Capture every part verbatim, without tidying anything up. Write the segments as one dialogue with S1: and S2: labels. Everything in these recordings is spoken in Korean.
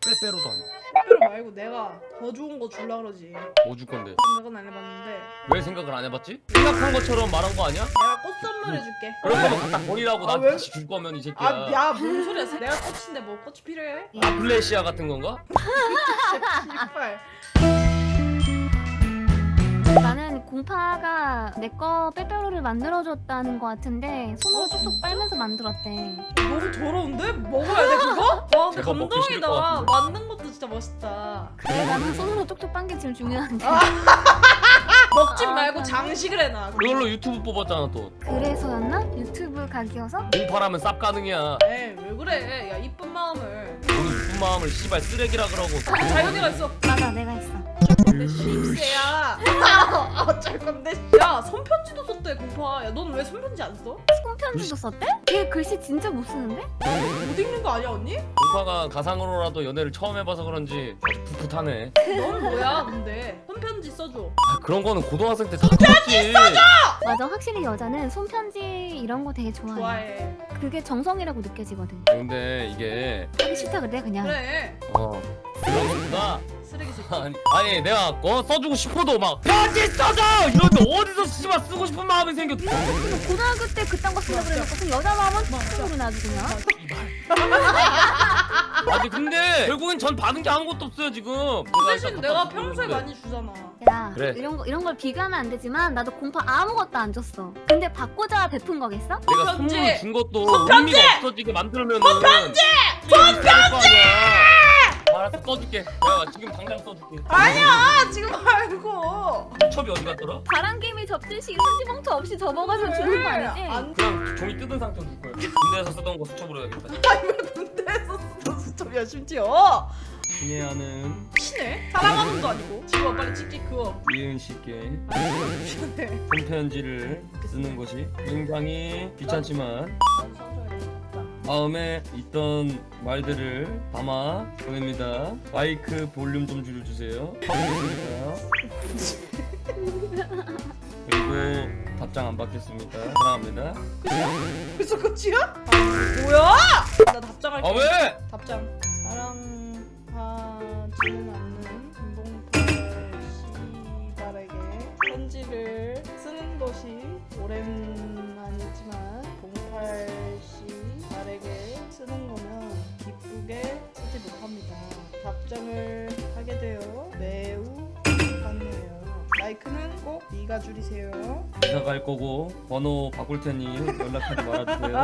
S1: 빼빼로도 안 돼.
S2: 빼빼로 말고 내가 더 좋은 거 줄라 그러지.
S1: 뭐 줄 건데?
S2: 생각은 안 해봤는데
S1: 왜 생각을 안 해봤지? 생각한 것처럼 말한 거 아니야?
S2: 내가 꽃 선물해줄게.
S1: 그럴 거면 갖다 버리라고
S2: 아,
S1: 나한테
S2: 왜?
S1: 다시 줄 거면 이 새끼야.
S2: 아, 야, 뭔 소리야? 내가 꽃인데 뭐 꽃이 필요해?
S1: 아, 플래시아 같은 건가?
S2: 씨발.
S3: 나는 공파가 내 거 빼빼로를 만들어줬다는 거 같은데 손으로
S2: 어,
S3: 툭툭
S2: 진짜?
S3: 빨면서 만들었대.
S2: 너무 더러운데? 먹어야 돼 그거? 와, 근데
S1: 제가 먹기 싫을 것
S2: 감동이다.
S1: 같은데.
S2: 만든 것도 진짜 멋있다.
S3: 그래 나는 손으로 툭툭 빤 게 제일 중요한데.
S2: 먹지
S3: 아,
S2: 말고
S3: 그래.
S2: 장식을 해놔.
S1: 그걸로 유튜브 뽑았잖아 또.
S3: 그래서였나? 유튜브 각이어서?
S1: 공파라면 쌉 가능이야.
S2: 에이, 왜 그래? 야, 이쁜 마음을.
S1: 오늘 이쁜 마음을 씨발 쓰레기라 그러고.
S2: 자연이가 있어.
S3: 맞아 내가 있어.
S2: 내 씹새야. 어쩔 건데. 야, 손편지도 썼대 공파. 야, 넌 왜 손편지 안 써?
S3: 손편지도 썼대? 걔 글씨 진짜 못 쓰는데?
S2: 못 읽는 거 아니야 언니?
S1: 공파가 가상으로라도 연애를 처음 해봐서 그런지 아주 풋풋하네.
S2: 넌 뭐야 근데? 손편지 써줘.
S1: 아, 그런 거는 고등학생 때 다 썼지.
S3: 맞아 확실히 여자는 손편지 이런 거 되게 좋아해.
S2: 좋아해.
S3: 그게 정성이라고 느껴지거든.
S1: 근데 이게
S3: 하기 싫다 그래 그냥.
S2: 그래.
S1: 어 그런 거보다
S2: 쓰레기 새끼.
S1: 아니, 아니 내가 어 써주고 싶어도 막 편지 써줘 이런데 어디서 씨발 쓰고 싶은 마음이 생겨.
S3: 근데 고등학교 때 그딴 거 쓰려고 그래놓고 여자 마음은 툭툭으로 놔주 그냥.
S1: 아니 근데 결국엔 전 받은 게 아무것도 없어요 지금.
S2: 그 대신
S1: 일단
S2: 내가
S1: 갖다
S2: 평소에
S1: 주는데.
S2: 많이 주잖아.
S3: 야
S1: 그래.
S3: 이런 거 이런 걸 비교하면 안 되지만 나도 공파 아무것도 안 줬어. 근데 받고자 베푼 거겠어?
S1: 내가
S2: 손편지!
S1: 선물을 준 것도
S2: 손편지!
S1: 의미가 없어지게 만들면은 손편지! 손편지! 알았어 써줄게. 내가 지금 당장 써줄게.
S2: 아니야 지금 말고.
S1: 첩이 어디 갔더라?
S3: 바람개미 접듯이 편지봉투 없이 접어가지고 주는 거 아니지?
S2: 안
S1: 그냥 종이 뜯은 상태로 줄 거야. 군대에서 쓰던 거 수첩으로 해야겠다.
S2: 군대에서 쓰던 수첩이야 심지어.
S1: 친애하는
S2: 친해? 사랑하는 것도 아니고. 지워 빨리 찍찍 그어.
S1: 이은 씨께
S2: 아니 미안해.
S1: 손편지를 쓰는 것이 굉장히 귀찮지만 마음에 있던 말들을 담아 보냅니다. 마이크 볼륨 좀 줄여주세요. 그리고 답장 안 받겠습니다. 사랑합니다.
S2: 벌써 끝이야? 아 뭐야? 나 답장할게.
S1: 아 왜?
S2: 답장. 사랑하지는 않는 김봉팔 씨발에게 편지를 쓰는 것이 오랜만이지만 봉팔 씨발에게 쓰는 거면 기쁘게 쓰지 못합니다. 답장을 하게 되어 매우 기쁘네요. 마이크는 꼭 네가 줄이세요.
S1: 이사 갈 거고 번호 바꿀 테니 연락하지 말아주세요.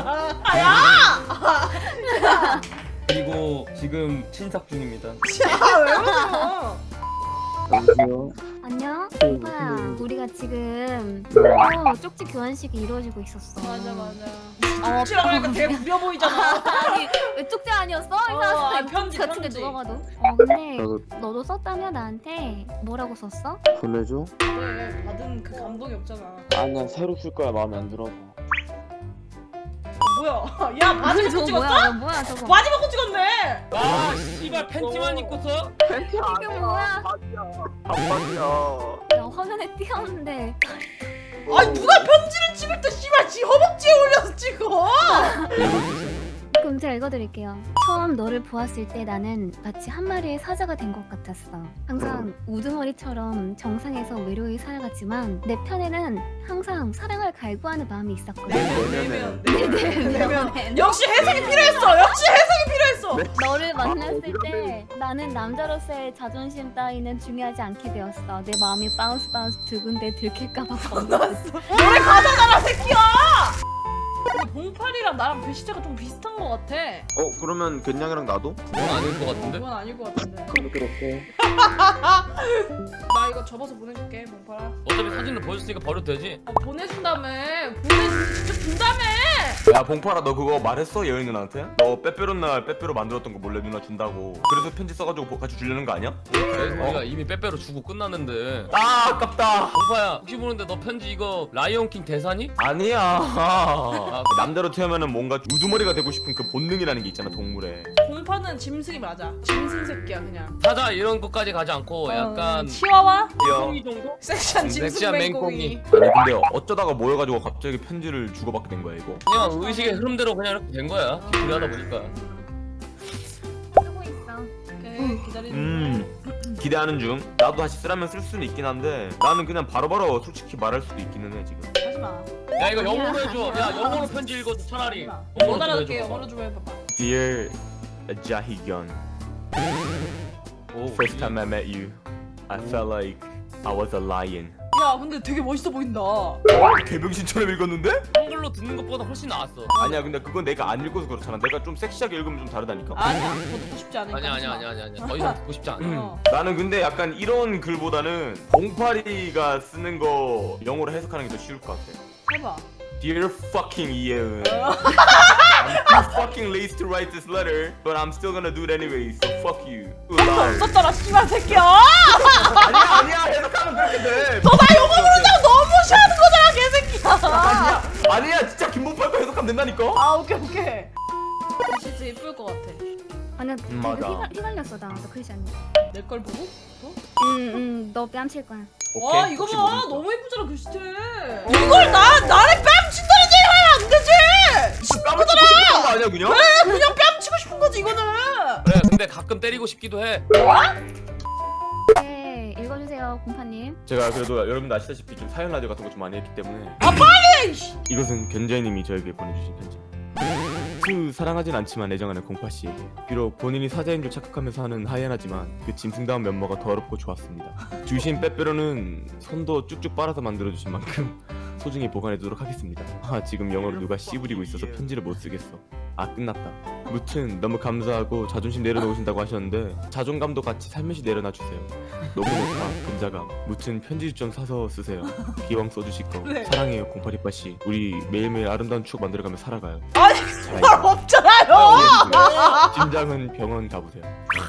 S2: 야!
S1: 그리고 지금 친삭 중입니다.
S2: 야, 왜 그러?
S4: 여보세요?
S3: 안녕?
S4: 네,
S3: 오빠야
S4: 무슨
S3: 우리가 지금
S4: 네.
S3: 어, 쪽지 교환식이 이루어지고 있었어.
S2: 맞아 맞아.
S3: 어,
S2: 쪽지라고 하니까 되게 구려 보이잖아.
S3: 아니 왜 쪽지 아니었어?
S2: 어,
S3: 이상한
S2: 아니, 편지,
S3: 같은데
S2: 편지.
S3: 누가 봐도. 어 근데
S4: 나도
S3: 너도 썼다며 나한테 뭐라고 썼어?
S4: 보내줘?
S2: 왜 받은 그 감동이 없잖아.
S4: 아니야 새로 쓸 거야 마음에 안 들어서.
S2: 뭐야? 야 바지
S3: 저거
S2: 벗고 찍었어?
S3: 뭐야? 이거 뭐야 저거?
S2: 바지 벗고 찍었네.
S1: 아 씨발 팬티만 입고 써?
S4: 팬티
S3: 이게 뭐야?
S4: 바지야. 반바지야.
S3: 야 화면에 띄었는데
S2: 아니 누가 편지를 찍을 때 씨발 지 허벅지에 올려서 찍어.
S3: 그럼 제가 읽어드릴게요. 처음 너를 보았을 때 나는 마치 한 마리의 사자가 된 것 같았어. 항상 우두머리처럼 정상에서 외로이 살아갔지만 내 편에는 항상 사랑을 갈구하는 마음이 있었거든.
S2: 내면 내면 내면 역시 해석이 필요했어. 역시 해석이 필요했어.
S3: 너를 만났을 때 나는 남자로서의 자존심 따위는 중요하지 않게 되었어. 내 마음이 바운스 바운스 두근데 들킬까봐 겁났어.
S2: 노래 가사잖아 새끼야. 봉팔이랑 나랑 배시자가 좀 비슷한 것 같아.
S4: 어 그러면 견냥이랑 나도?
S1: 그건 아닐 것 같은데?
S2: 그건 아닐 것 같은데.
S4: 그럼 그렇게.
S2: 나 이거 접어서 보내줄게 봉팔아.
S1: 어차피 사진을 보여줬으니까 버려도 되지?
S2: 아, 보내준다며. 보내준 직접 준다며.
S5: 야 봉파라 너 그거 말했어 예은이 누나한테? 너 빼빼로 날 빼빼로 만들었던 거 몰래 누나 준다고 그래서 편지 써가지고 보- 같이 주려는 거 아니야?
S1: 그래 우리가 이미 빼빼로 주고 끝났는데.
S5: 아 아깝다.
S1: 공파야 혹시 모르는데 너 편지 이거 라이온킹 대사니?
S5: 아니야.
S1: 아,
S5: 남대로 태어나면 뭔가 우두머리가 되고 싶은 그 본능이라는 게 있잖아 동물에.
S2: 봉파는 짐승이 맞아. 짐승 새끼야 그냥.
S1: 사자 이런 것까지 가지 않고 약간
S2: 어, 치와와?
S1: 콩이 정도?
S2: 섹시한 짐승
S1: 섹시한
S2: 맹꽁이.
S1: 맹꽁이.
S5: 아니 근데 어쩌다가 모여가지고 갑자기 편지를 주고받게 된 거야 이거?
S1: 그냥 의식의 흐름대로 그냥 이렇게 된 거야. 기쁘게 하다 보니까.
S3: 쓰고 있어.
S2: 오케이. 기다리는
S5: 음 기대하는 중. 나도 다시 쓰라면 쓸 수는 있긴 한데 나는 그냥 바로바로 솔직히 말할 수도 있기는 해 지금.
S2: 중. 하지마.
S1: 야 이거 영어로 해줘. 야 영어로 편지 읽어줘 차라리.
S2: 못
S1: 영어로 좀
S2: 알아듣게
S1: 해줘봐.
S2: 영어로 좀 해봐봐.
S5: Dear Jahigyun,
S1: 오,
S5: first time I met you, I felt like I was a lion.
S2: 야 근데 되게 멋있어 보인다.
S5: 개병신처럼 읽었는데?
S1: 한글로 듣는 것보다 훨씬 나았어.
S5: 아니야 근데 그건 내가 안 읽어서 그렇잖아. 내가 좀 섹시하게 읽으면 좀 다르다니까.
S2: 아니야 더 듣고 싶지 않으니까.
S1: 아니야 아니야
S2: 하지마.
S1: 아니야 아니야. 더 이상 듣고 싶지 않아.
S2: 어.
S5: 나는 근데 약간 이런 글보다는 봉파리가 쓰는 거 영어로 해석하는 게 더 쉬울 것 같아.
S2: 해봐.
S5: Dear fucking Yeun, I'm too fucking lazy to write this letter, but I'm still gonna do it anyway. So fuck you.
S2: 너 썼잖아 씨발 새끼야.
S5: 아니야 아니야 해석하면 그렇게 돼.
S2: 너 나 영어 모른다고 너무 무시하는 거잖아 개새끼야.
S5: 아니야 아니야 진짜 김봉팔 거 해석하면 된다니까.
S2: 아 오케이 오케이. 진짜 예쁠 것 같아.
S3: 아니야 되게
S5: 맞아.
S3: 휘갈, 휘갈렸어 나도 글씨 아니야.
S2: 내 걸 보고?
S3: 응응 너 뺨칠 거야.
S2: 와
S5: 오케이,
S2: 이거
S5: 혹시
S2: 봐
S5: 모르니까.
S2: 너무 예쁘잖아 글씨체. 이걸 나 나를 뺨 친다는 얘기 하면 안 되지.
S5: 진짜 뺨을 치고 싶은 거 아니야 그냥?
S2: 그래 그냥 뺨 치고 싶은 거지 이거는.
S1: 그래 근데 가끔 때리고 싶기도 해.
S3: 네 읽어주세요 공파님.
S5: 제가 그래도 여러분들 아시다시피 좀 사연 라디오 같은 거 좀 많이 했기 때문에
S2: 아 빨리.
S5: 이것은 견자이님이 저에게 보내주신 편지. 수 사랑하진 않지만 애정하는 공파씨에게 비록 본인이 사자인 줄 착각하면서 하는 하이에나지만 그 짐승다운 면모가 더럽고 좋았습니다. 주신 빼빼로는 손도 쭉쭉 빨아서 만들어주신 만큼 소중히 보관해두도록 하겠습니다. 아 지금 영어로 누가 씨부리고 있어서 편지를 못 쓰겠어. 아 끝났다. 무튼 너무 감사하고 자존심 내려놓으신다고 하셨는데 자존감도 같이 살며시 내려놔주세요. 너무 높아 근자감. 무튼 편지 좀 사서 쓰세요. 기왕 써주실 거
S2: 네.
S5: 사랑해요 공파리빠씨. 우리 매일매일 아름다운 추억 만들어가며 살아가요.
S2: 아니
S5: 잘
S2: 말 없잖아요.
S5: 가. 짐작은 병원 가보세요.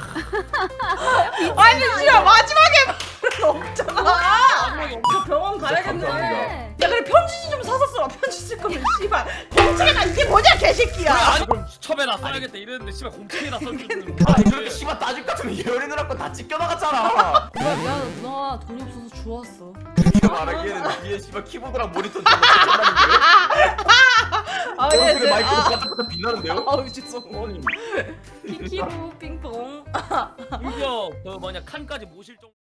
S2: 아니 진짜 마지막에 말은 없잖아. 저 병원 가야겠네.
S5: 감사합니다.
S2: 야 그래 편지 좀 사서 써라. 편지 쓸 거면 씨발 공책에다 이게 뭐냐 개새끼야.
S1: 아니 그럼 수첩에나 써야겠다 이랬는데 씨발 공책에다 써주는 거.
S5: 아니 그렇게 씨발 따질 것 같으면 예언이 누나 거 다 찢겨나갔잖아.
S2: 뭐야 미안 누나 돈이 없어서 주웠어.
S5: 이게 말하기에는 뒤에 씨발 키보드랑 모니터 좀 찢겨나는데요?
S2: 아
S5: 오른쪽에
S2: 예,
S5: 마이크로
S2: 아,
S5: 바짝바짝 빛나는데요?
S2: 아우 죄송. 키키루 핑퐁.
S1: 심지어 그 뭐냐 칸까지 모실 정도.